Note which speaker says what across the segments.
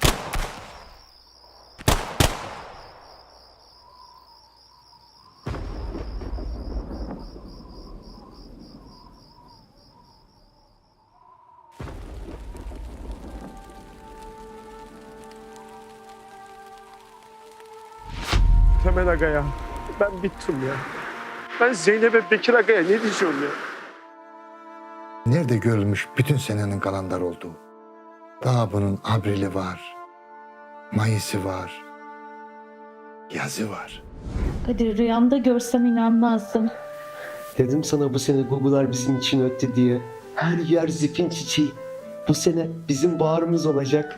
Speaker 1: Temel Aga ya. Ben bittim ya. Ben Zeynep'e Bekir Aga'ya ne diyeceğim ya?
Speaker 2: Nerede görülmüş bütün senenin kalandar olduğu? Daha bunun Abrili var, Mayıs'ı var, yazı var.
Speaker 3: Kadir, rüyamda görsem inanmazdım.
Speaker 4: Dedim sana bu sene Google'lar bizim için öttü diye. Her yer zifin çiçeği. Bu sene bizim baharımız olacak.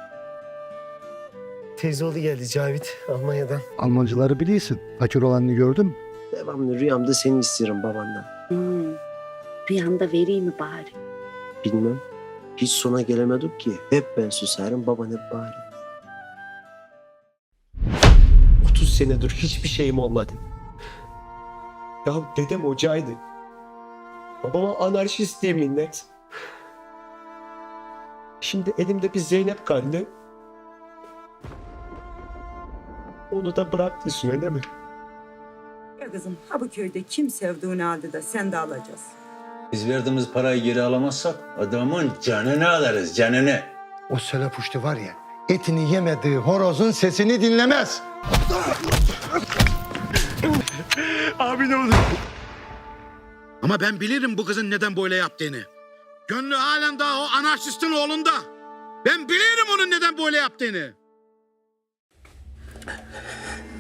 Speaker 4: Teyzeoğlu geldi Cavit Almanya'dan.
Speaker 2: Almancıları biliyorsun. Fakir olanını gördün mü?
Speaker 4: Devamlı rüyamda seni istiyorum babandan.
Speaker 5: Rüyanda vereyim mi bari?
Speaker 4: Bilmem. Hiç sona gelemedik ki. Hep ben susarım, baban hep bağırır. 30 senedir hiçbir şeyim olmadı. Ya dedem hocaydı. Babama anarşist diye minnet. Şimdi elimde bir Zeynep kaldı. Onu da bıraktı öyle mi?
Speaker 6: Ya kızım, ha bu köyde kim sevdiğini aldı da sen de alacaksın.
Speaker 7: Biz verdiğimiz parayı geri alamazsak adamın canını alırız, canını.
Speaker 2: O Selepuştu var ya, etini yemediği horozun sesini dinlemez.
Speaker 1: Abi ne olur.
Speaker 8: Ama ben bilirim bu kızın neden böyle yaptığını. Gönlü halen daha o anarşistin oğlunda. Ben bilirim onun neden böyle yaptığını.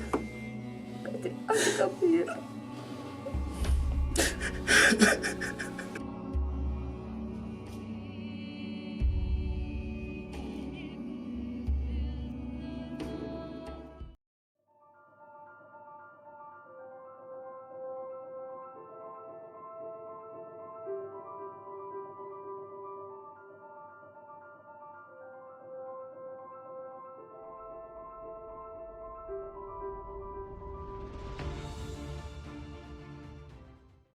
Speaker 6: Hadi kapıyı.